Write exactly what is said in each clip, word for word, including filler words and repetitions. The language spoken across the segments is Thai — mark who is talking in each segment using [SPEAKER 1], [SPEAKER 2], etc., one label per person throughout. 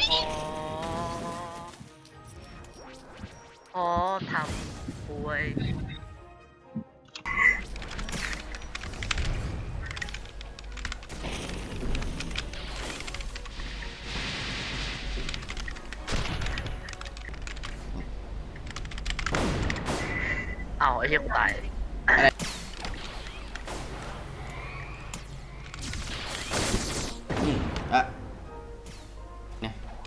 [SPEAKER 1] อ๋ออ๋อทำป่วยเอาไอ้เหี้ยกูตาย
[SPEAKER 2] อืมอ่ะเนี่ย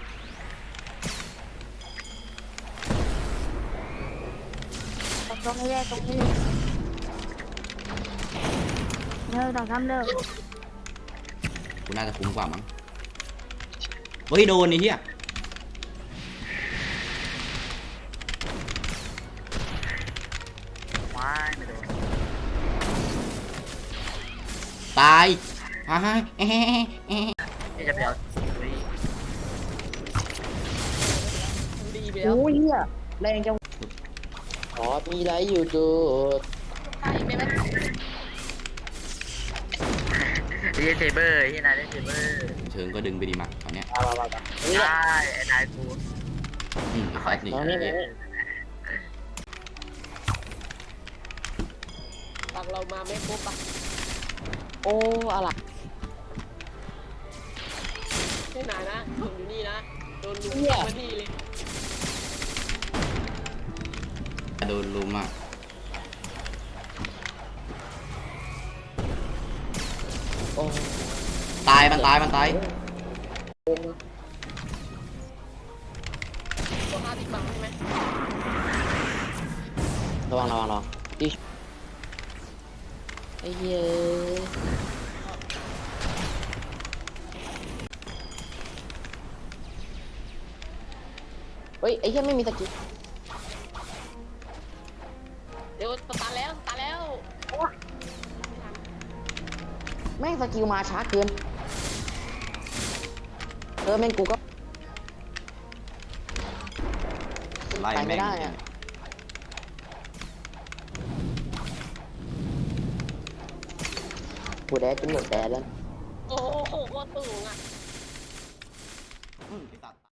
[SPEAKER 3] ตรงนี้เลยตรงนี้เลยเลิกต้องทำเลิก
[SPEAKER 2] กูน่าจะคุ้มกว่ามั้งเฮ้ยโดนไอ้เหี้ย
[SPEAKER 1] ว้ายไม่โดน
[SPEAKER 2] ตายฮ่าฮ่าเอ๊ะเอ๊ะ
[SPEAKER 1] นี่จะไปเอาอุ้ย
[SPEAKER 4] ดีไปแล้ว
[SPEAKER 5] โอ้ยเหี้ยแรงจังอ๋อมีไรอยู่ดูด
[SPEAKER 4] ตายอีกได้ไหม
[SPEAKER 1] ไอ้เหี้ยเซเบอร์ไอ้เหี้ยนายเล่นเซเบอร์
[SPEAKER 2] เชิงก็ดึงไปดีมาตอนเนี้ย
[SPEAKER 5] มามามานี่แหละ
[SPEAKER 1] ได้ไอ้นายกู
[SPEAKER 2] อืมไอ้แฟกนี่
[SPEAKER 5] ตอนนี้เลย
[SPEAKER 4] ฝั่งเรามาไม่ครบปะ
[SPEAKER 5] โอ้อะไร
[SPEAKER 4] ไม่นานนะผมอยู่นี่นะโดนลุมมาที่เลย
[SPEAKER 2] โดนลุมอ่ะ
[SPEAKER 5] โอ้
[SPEAKER 2] ตายมันตายมันตาย
[SPEAKER 4] ตัวห้าสิบบังใช่ไหม
[SPEAKER 5] ระวังระวังระวังดิไอ้เหี้ยเฮ้ยไอ้เหี้ยไม่มีสกิล
[SPEAKER 4] เดี๋ยวสตาร์แล้วสตาร์แล้ว
[SPEAKER 5] แม่งสกิลมาช้าเกินเออแม่งกูก็
[SPEAKER 2] ไล่
[SPEAKER 5] ไป
[SPEAKER 2] แม่
[SPEAKER 5] ไม่
[SPEAKER 2] ง
[SPEAKER 5] ได้
[SPEAKER 2] จริง
[SPEAKER 5] อะกูแดดจนหมดแดดแล้ว
[SPEAKER 4] โอ้โหโคตรสูงอ่ะ
[SPEAKER 2] ๆอืมไอ้สัตว์